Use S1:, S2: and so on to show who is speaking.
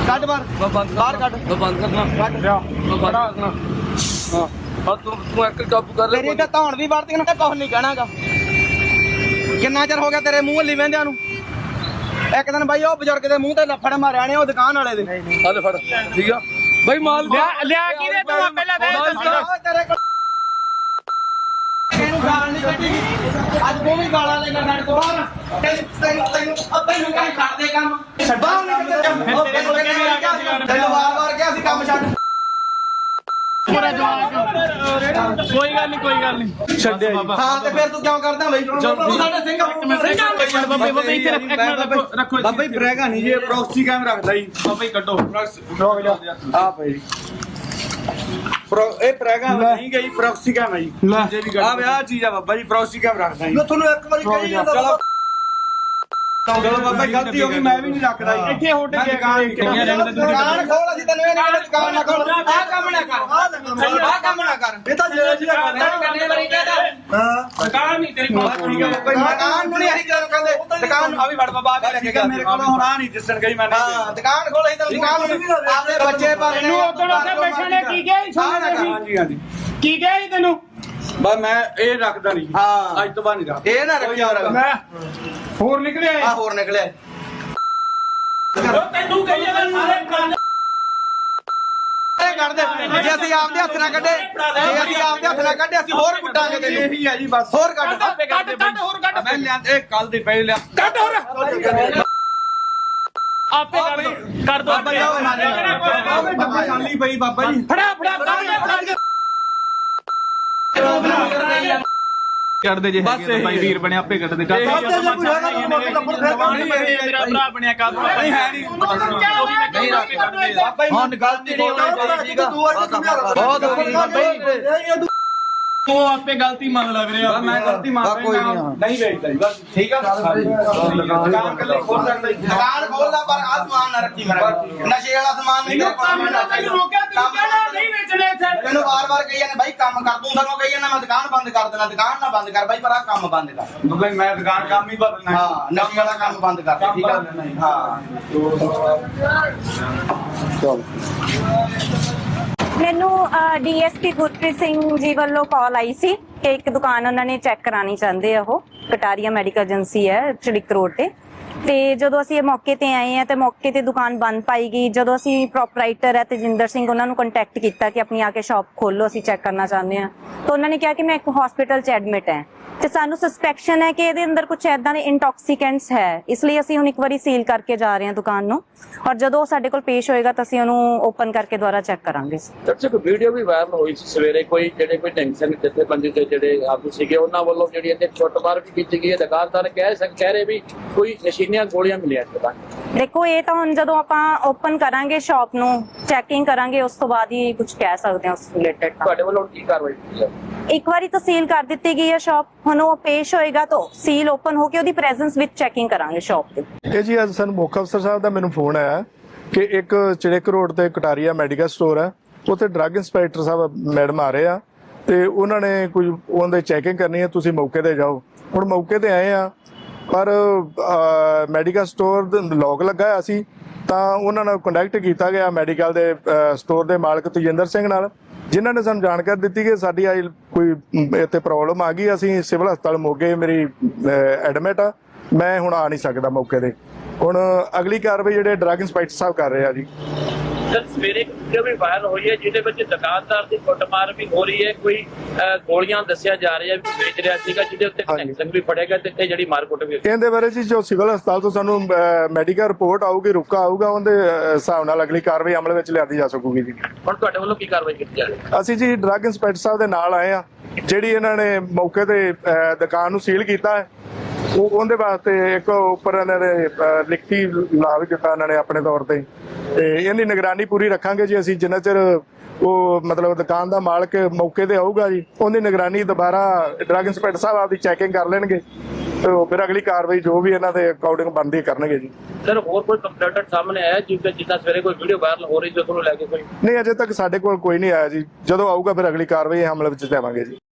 S1: ਕੱਢ ਬਾਹਰ ਬਾਹਰ ਕੱਢ
S2: ਬੰਦ ਕਰਨਾ ਹਾਂ ਤੂੰ ਇੱਕ ਕਾਬੂ ਕਰ ਲੈ
S1: ਤੇਰੀ ਤਾਂ ਧੌਣ ਵੀ ਵੜਦੀ ਨਾ ਕੁਝ ਨਹੀਂ ਕਹਿਣਾਗਾ। ਕਿੰਨਾ ਚਿਰ ਹੋ ਗਿਆ ਤੇਰੇ ਮੂੰਹ ਹੱਲੀ ਵਹਿੰਦਿਆਂ ਨੂੰ? ਇੱਕ ਦਿਨ ਬਾਈ ਉਹ ਬਜ਼ੁਰਗ ਦੇ ਮੂੰਹ ਤੇ ਲੱਫੜ ਮਾਰਿਆ ਨੇ ਉਹ ਦੁਕਾਨ ਵਾਲੇ ਦੇ।
S2: ਆ ਲੈ ਫੜ ਠੀਕ ਆ ਬਾਈ ਮਾਲ
S3: ਲਿਆ ਕੀ ਦੇ ਤੂੰ ਪਹਿਲਾਂ ਦੇ
S1: ਤੇਰੇ ਕੋਲ ਇਹਨੂੰ ਗਾਲ ਨਹੀਂ ਕੱਢੀ ਅੱਜ ਤੂੰ ਵੀ ਗਾਲਾਂ ਲੈ ਕੇ ਸਾਡੇ ਕੋਲ ਤੈਨੂੰ ਕਾਹ ਛੱਡ ਦੇ ਕੰਮ ਛੱਡਾ ਤੈਨੂੰ ਵਾਰ-ਵਾਰ ਕਿਹਾ ਸੀ ਕੰਮ ਛੱਡ।
S3: ਕੋਈ ਗੱਲ ਨਹੀਂ
S1: ਛੱਡਿਆ ਹਾਂ ਤੇ ਫਿਰ ਤੂੰ ਕਿਉਂ ਕਰਦਾ ਬਈ? ਤੂੰ ਸਾਡੇ ਸਿੰਘ
S4: ਬਾਬਾ ਜੀ ਬ੍ਰੇਗਾ ਨਹੀਂ ਜੀ ਪ੍ਰੋਕਸੀ ਕੈਮ ਰੱਖਦਾ ਜੀ।
S3: ਬਾਬਾ ਜੀ ਕੱਢੋ
S4: ਆ ਭਾਈ ਇਹ ਪ੍ਰੈਗਾ ਨਹੀਂ ਗਈ ਪ੍ਰੋਕਸੀ ਕੈਮ ਹੈ ਜੀ। ਆ ਵਿਆਹ ਚੀਜ਼ ਆ ਬਾਬਾ ਜੀ ਪ੍ਰੋਕਸੀ ਕੈਮ ਰੱਖਦਾ ਜੀ।
S1: ਮੈਂ ਤੁਹਾਨੂੰ ਇੱਕ ਵਾਰੀ ਕਹੀ ਜਾਂਦਾ
S4: ਚਲੋ ਬਾਬਾ ਜੀ ਗਲਤੀ ਹੋ ਗਈ ਮੈਂ ਵੀ ਨਹੀਂ ਰੱਖਦਾ ਜੀ।
S3: ਇੱਥੇ ਹੋਟਲ ਕੇ
S1: ਦੁਕਾਨ ਖੋਲ ਅਸੀਂ ਤੈਨੂੰ ਇਹ ਨਹੀਂ ਕਹਿੰਦੇ ਦੁਕਾਨ ਨਾ ਖੋਲ ਆਹ ਕੰਮ ਨਾ ਕਰ ਆਹ ਕੰਮ ਨਾ ਕਰ
S4: ਇਹ ਤਾਂ ਜਿਹੜਾ ਜਿਹੜਾ
S1: ਕਰਨੇ ਵਾਲੀ ਕਹਦਾ
S4: ਹਾਂ
S3: ਦੁਕਾਨ ਨਹੀਂ ਤੇਰੀ ਮਾਂ
S4: ਠੀਕ ਹੈ ਬਾਬਾ ਜੀ
S1: ਦੁਕਾਨ ਨੂੰ ਨਹੀਂ ਅਸੀਂ ਜਦੋਂ ਕਹਿੰਦੇ ਦੁਕਾਨ ਨੂੰ ਆ ਵੀ ਵੜ ਬਾਬਾ ਆ ਵੀ ਲੈ ਕੇ ਗਿਆ
S4: ਮੇਰੇ ਕੋਲ ਹੁਣ ਆ ਨਹੀਂ ਦਿਸਣ ਗਈ ਮੈਂ
S1: ਹਾਂ ਦੁਕਾਨ ਖੋਲ ਅਸੀਂ ਤੈਨੂੰ ਦੁਕਾਨ ਨੂੰ ਆਪਣੇ ਬੱਚੇ ਪਾਲਣੇ
S3: ਤੈਨੂੰ ਉਦੋਂ ਉੱਥੇ ਬੈਠਣੇ ਕੀ ਗਿਆ
S4: ਹਾਂਜੀ ਹਾਂਜੀ
S3: ਕੀ ਗਿਆ ਜੀ ਤੈਨੂੰ
S4: ਬਸ ਮੈਂ ਇਹ ਰੱਖਦਾ ਨਹੀਂ
S1: ਹਾਂ
S4: ਅੱਜ ਤੋਂ ਬਾਅਦ ਨਹੀਂ ਰੱਖਦਾ।
S1: ਇਹ ਨਾ ਰੱਖਿਆ ਹੋਰ
S3: ਮੈਂ ਹੋਰ ਨਿਕਲਿਆ
S1: ਆ ਹੋਰ ਨਿਕਲਿਆ
S3: ਤੈਨੂੰ ਕਹੀ ਜਾਂਦਾ ਸਾਰੇ ਕੰਮ
S1: ਇਹ ਕੱਢ ਦੇ ਜੇ ਅਸੀਂ ਆਪਦੇ ਹੱਥ ਨਾਲ ਕੱਢੇ ਜੇ ਅਸੀਂ ਆਪਦੇ ਹੱਥ ਨਾਲ ਕੱਢੇ ਅਸੀਂ ਹੋਰ ਕੁੱਟਾਂਗੇ ਤੈਨੂੰ
S4: ਇਹੀ ਹੈ ਜੀ ਬਸ
S1: ਹੋਰ ਕੱਢ
S3: ਕੱਢ ਹੋਰ ਕੱਢ
S4: ਮੈਂ ਲਿਆਂਦੇ ਇਹ ਕੱਲ ਦੇ ਪਏ ਲਿਆ
S3: ਕੱਢ ਹੋਰ ਆਪੇ ਕਰ ਦੋ
S4: ਬਾਬਾ ਖਾਲੀ ਪਈ ਬਾਬਾ ਜੀ
S3: ਫੜਾ ਕੱਢ ਦੇ ਜੇ ਹੈਗੇ ਭਾਈ ਵੀਰ ਬਣਿਆ ਆਪੇ ਕੱਢ ਦੇ ਮੇਰਾ ਭਰਾ ਬਣਿਆ ਕੱਢ
S4: ਨਹੀਂ ਹੈ ਨਹੀਂ
S1: ਹੁਣ ਗਲਤੀ ਨਹੀਂ ਹੋਣੀ ਚਾਹੀਦੀ ਬਹੁਤ ਹੋ ਗਈ ਬਾਬਾ
S3: ਤੂੰ ਆਪੇ ਗਲਤੀ ਮੰਨ ਲੈ ਵੀਰੇ
S4: ਮੈਂ ਗਲਤੀ ਮੰਨ
S1: ਕੋਈ
S4: ਰਿਹਾ ਨਹੀਂ ਵੇਚਦਾ ਜੀ ਬਸ
S1: ਠੀਕ ਆ
S4: ਦੁਕਾਨ ਕੱਲੇ ਖੋਲ ਸਕਦਾ ਜੀ।
S1: ਦੁਕਾਨ ਖੋਲਦਾ ਪਰ ਆ ਸਮਾਨ ਨਾ ਰੱਖੀ ਮੇਰਾ ਨਸ਼ੇ ਵਾਲਾ ਸਮਾਨ ਨਹੀਂ
S3: ਤੈਨੂੰ ਰੋਕਿਆ ਤੂੰ ਕਹਿਣਾ ਨਹੀਂ ਵੇਚਣੇ ਇੱਥੇ
S1: ਤੈਨੂੰ ਵਾਰ-ਵਾਰ ਕਹੀ ਜਾਂਦੇ ਬਾਈ ਕੰਮ ਕਰ ਤੂੰ ਸਾਨੂੰ ਕਹੀ ਜਾਂਦਾ ਮੈਂ ਦੁਕਾਨ ਬੰਦ ਕਰ ਦੇਣਾ ਦੁਕਾਨ ਨਾ ਬੰਦ ਕਰ ਬਾਈ ਪਰ ਆ ਕੰਮ ਬੰਦ ਕਰ
S4: ਬਾਬਾ ਜੀ ਮੈਂ ਦੁਕਾਨ ਕੰਮ ਹੀ ਬਦਲਣਾ
S1: ਹਾਂ ਨਸ਼ੇ ਵਾਲਾ ਕੰਮ ਬੰਦ ਕਰ ਦੇ, ਠੀਕ ਆ ਹਾਂ ਚਲ
S5: ਮੈਨੂੰ ਡੀਐਸਪੀ ਗੁਰਪ੍ਰੀਤ ਸਿੰਘ ਜੀ ਵੱਲੋਂ ਕਾਲ ਆਈ ਸੀ ਕਿ ਇੱਕ ਦੁਕਾਨ ਉਹਨਾਂ ਨੇ ਚੈੱਕ ਕਰਾਣੀ ਚਾਹੁੰਦੇ ਆ। ਉਹ ਕਟਾਰੀਆ ਮੈਡੀਕਲ ਏਜੰਸੀ ਹੈ ਚੜਿਕ ਰੋਡ ਤੇ ਜਦੋਂ ਅਸੀਂ ਇਹ ਮੌਕੇ ਤੇ ਆਏ ਆ ਤੇ ਮੌਕੇ ਤੇ ਦੁਕਾਨ ਬੰਦ ਪਾਈ ਗਈ। ਜਦੋਂ ਅਸੀਂ ਪ੍ਰੋਪਰਾਈਟਰ ਹੈ ਤੇਜਿੰਦਰ ਸਿੰਘ ਉਹਨਾਂ ਨੂੰ ਕੰਟੈਕਟ ਕੀਤਾ ਕਿ ਆਪਣੀ ਆ ਕੇ ਸ਼ਾਪ ਖੋਲੋ ਅਸੀਂ ਚੈੱਕ ਕਰਨਾ ਚਾਹੁੰਦੇ ਆ ਤਾਂ ਉਹਨਾਂ ਨੇ ਕਿਹਾ ਕਿ ਮੈਂ ਇੱਕ ਹਸਪੀਟਲ 'ਚ ਐਡਮਿਟ ਹੈ ਤੇ ਸਾਨੂੰ ਸਸਪੈਕਸ਼ਨ ਹੈ ਕਿ ਇਹਦੇ ਅੰਦਰ ਕੁਝ ਐਦਾਂ ਦੇ ਇੰਟੌਕਸੀਕੈਂਟਸ ਹੈ। ਇਸ ਲਈ ਅਸੀਂ ਹੁਣ ਇੱਕ ਵਾਰੀ ਸੀਲ ਕਰਕੇ ਜਾ ਰਹੇ ਹਾਂ ਦੁਕਾਨ ਨੂੰ ਔਰ ਜਦੋਂ ਸਾਡੇ ਕੋਲ ਪੇਸ਼ ਹੋਏਗਾ ਤਾਂ ਅਸੀਂ ਉਹਨੂੰ ਓਪਨ ਕਰਕੇ ਦੁਬਾਰਾ ਚੈੱਕ ਕਰਾਂਗੇ।
S6: ਦਰਸ਼ਕ ਵੀਡੀਓ ਵੀ ਵਾਇਰਲ ਹੋਈ ਸੀ ਸਵੇਰੇ ਕੋਈ ਜਿਹੜੇ ਕੋਈ ਟੈਂਸ਼ਨ ਜਥੇਬੰਦੀ ਦੇ ਜਿਹੜੇ ਆਗੂ ਸੀਗੇ ਉਹਨਾਂ ਵੱਲੋਂ ਜਿਹੜੀ ਇਹਦੇ ਛੁੱਟਮਾਰ ਵੀ ਕੀਤੀ ਗਈ ਹੈ। ਦੁਕਾਨਦਾਰ ਕਹਿ ਰਹੇ ਵੀ ਕੋਈ ਨਸ਼ੀਲੀਆਂ ਗੋਲੀਆਂ ਮਿਲੀਆਂ ਦੁਕਾਨ।
S5: ਦੇਖੋ ਇਹ ਤਾਂ ਹੁਣ ਜਦੋਂ ਆਪਾਂ ਓਪਨ ਕਰਾਂਗੇ ਸ਼ਾਪ ਨੂੰ ਚੈਕਿੰਗ ਕਰਾਂਗੇ ਉਸ ਤੋਂ ਬਾਅਦ ਹੀ ਕੁਝ ਕਹਿ ਸਕਦੇ ਹਾਂ ਉਸ ਰਿਲੇਟਡ।
S6: ਤੁਹਾਡੇ ਵੱਲੋਂ ਕੀ ਕਾਰਵਾਈ ਕੀਤੀ ਹੈ?
S5: ਇੱਕ ਵਾਰੀ ਤਾਂ ਸੀਲ ਕਰ ਦਿੱਤੀ ਗਈ ਹੈ ਸ਼ਾਪ, ਹੁਣ ਉਹ ਪੇਸ਼ ਹੋਏਗਾ ਤਾਂ ਸੀਲ ਓਪਨ ਹੋ ਕੇ ਉਹਦੀ ਪ੍ਰੈਜ਼ੈਂਸ ਵਿੱਚ ਚੈਕਿੰਗ ਕਰਾਂਗੇ ਸ਼ਾਪ ਤੇ।
S7: ਇਹ ਜੀ ਅੱਜ ਸਾਨੂੰ ਮੁੱਖ ਅਫਸਰ ਸਾਹਿਬ ਦਾ ਮੈਨੂੰ ਫੋਨ ਆਇਆ ਕਿ ਇੱਕ ਚੜਿਕ ਰੋਡ ਤੇ ਕਟਾਰੀਆ ਮੈਡੀਕਲ ਸਟੋਰ ਹੈ ਉੱਥੇ ਡਰੱਗ ਇੰਸਪੈਕਟਰ ਸਾਹਿਬ ਮੈਡਮ ਆ ਰਹੇ ਆ ਤੇ ਉਹਨਾਂ ਨੇ ਕੁਝ ਉਹਨਾਂ ਦੇ ਚੈਕਿੰਗ ਕਰਨੀ ਹੈ, ਤੁਸੀਂ ਮੌਕੇ ਤੇ ਜਾਓ। ਹੁਣ ਮੌਕੇ ਤੇ ਆਏ ਆ ਪਰ ਮੈਡੀਕਲ ਸਟੋਰ ਦਾ ਲੌਕ ਲੱਗਾ ਹੋਇਆ ਸੀ ਤਾਂ ਉਹਨਾਂ ਨਾਲ ਕੰਟੈਕਟ ਕੀਤਾ ਗਿਆ ਮੈਡੀਕਲ ਦੇ ਸਟੋਰ ਦੇ ਮਾਲਕ ਤੇਜਿੰਦਰ ਸਿੰਘ ਨਾਲ, ਜਿਨ੍ਹਾਂ ਨੇ ਸਾਨੂੰ ਜਾਣਕਾਰੀ ਦਿੱਤੀ ਕਿ ਸਾਡੀ ਆਈ ਕੋਈ ਇੱਥੇ ਪ੍ਰੋਬਲਮ ਆ ਗਈ, ਅਸੀਂ ਸਿਵਲ ਹਸਪਤਾਲ ਮੋਗੇ ਮੇਰੀ ਐਡਮਿਟ ਆ, ਮੈਂ ਹੁਣ ਆ ਨਹੀਂ ਸਕਦਾ ਮੌਕੇ ਤੇ। ਹੁਣ ਅਗਲੀ ਕਾਰਵਾਈ ਜਿਹੜੇ ਡਰੱਗ ਇੰਸਪੈਕਟਰ ਸਾਹਿਬ ਕਰ ਰਹੇ ਆ ਜੀ।
S6: ਸਰ ਸਵੇਰੇ ਵੀਡੀਓ ਵੀ ਵਾਇਰਲ ਹੋਈ ਹੈ ਜਿਹਦੇ ਵਿੱਚ ਦੁਕਾਨਦਾਰ ਦੀ ਕੁੱਟਮਾਰ ਵੀ ਹੋ ਰਹੀ ਹੈ, ਕੋਈ ਗੋਲੀਆਂ ਦੱਸਿਆ ਜਾ ਰਿਹਾ ਵੀ ਵੇਚ ਰਿਹਾ ਸੀਗਾ ਜਿਹਦੇ ਉੱਤੇ ਕਨੈਕਸ਼ਨ ਵੀ ਫੜੇਗਾ ਤੇ ਜਿਹੜੀ ਮਾਰਕੁੱਟ ਵੀ।
S7: ਇਹਦੇ ਬਾਰੇ ਜੀ ਜੋ ਸਿਵਲ ਹਸਪਤਾਲ ਤੋਂ ਸਾਨੂੰ ਮੈਡੀਕਲ ਰਿਪੋਰਟ ਆਊਗੀ, ਰੁਕਾ ਆਊਗਾ, ਉਹਦੇ ਹਿਸਾਬ ਨਾਲ ਅਗਲੀ ਕਾਰਵਾਈ ਅਮਲ ਵਿੱਚ ਲਿਆਂਦੀ ਜਾ ਸਕੂਗੀ ਜੀ।
S6: ਹੁਣ ਤੁਹਾਡੇ ਵੱਲੋਂ ਕੀ ਕਾਰਵਾਈ ਕੀਤੀ ਜਾ ਰਹੀ ਹੈ?
S7: ਅਸੀਂ ਜੀ ਡਰੱਗ ਇੰਸਪੈਕਟਰ ਸਾਹਿਬ ਦੇ ਨਾਲ ਆਏ ਆ, ਜਿਹੜੀ ਇਹਨਾਂ ਨੇ ਮੌਕੇ ਤੇ ਦੁਕਾਨ ਨੂੰ ਸੀਲ ਕੀਤਾ ਹੈ ਉਹਦੇ ਵਾਸਤੇ ਇੱਕ ਉੱਪਰ ਇਹਨਾਂ ਨੇ ਲਿਖਤੀ ਲਾ ਵੀ ਦਿੱਤਾ ਇਹਨਾਂ ਨੇ ਆਪਣੇ ਤੌਰ ਤੇ ਇਹਦੀ ਨਿਗਰਾਨੀ ਪੂਰੀ ਰੱਖਾਂਗੇ ਜੀ ਅਸੀਂ ਜਿੰਨਾ ਚਿਰ ਉਹ ਮਤਲਬ ਦੁਕਾਨ ਦਾ ਮਾਲਕ ਮੌਕੇ ਤੇ ਆਊਗਾ ਜੀ ਉਹਦੀ ਨਿਗਰਾਨੀ ਦੁਬਾਰਾ ਡਰੱਗ ਇੰਸਪੈਕਟਰ ਸਾਹਿਬ ਆਪਦੀ ਚੈਕਿੰਗ ਕਰ ਲੈਣਗੇ ਤੇ ਫਿਰ ਅਗਲੀ ਕਾਰਵਾਈ ਜੋ ਵੀ ਇਹਨਾਂ ਦੇ ਅਕਾਊਂਟਿੰਗ ਬਣਦੀ ਕਰਨਗੇ ਜੀ।
S6: ਸਰ ਹੋਰ ਕੋਈ ਕੰਪਲੇਂਟ ਸਾਹਮਣੇ ਆਇਆ ਜਿੱਦਾਂ ਸਵੇਰੇ ਕੋਈ ਵੀਡੀਓ ਵਾਇਰਲ ਹੋ ਰਹੀ ਸੀ ਉਹਨੂੰ ਲੈ ਕੇ ਕੋਈ?
S7: ਨਹੀਂ ਅਜੇ ਤੱਕ ਸਾਡੇ ਕੋਲ ਕੋਈ ਨਹੀਂ ਆਇਆ ਜੀ, ਜਦੋਂ ਆਊਗਾ ਫਿਰ ਅਗਲੀ ਕਾਰਵਾਈ ਅਮਲ ਵਿੱਚ ਲਿਆਵਾਂਗੇ ਜੀ।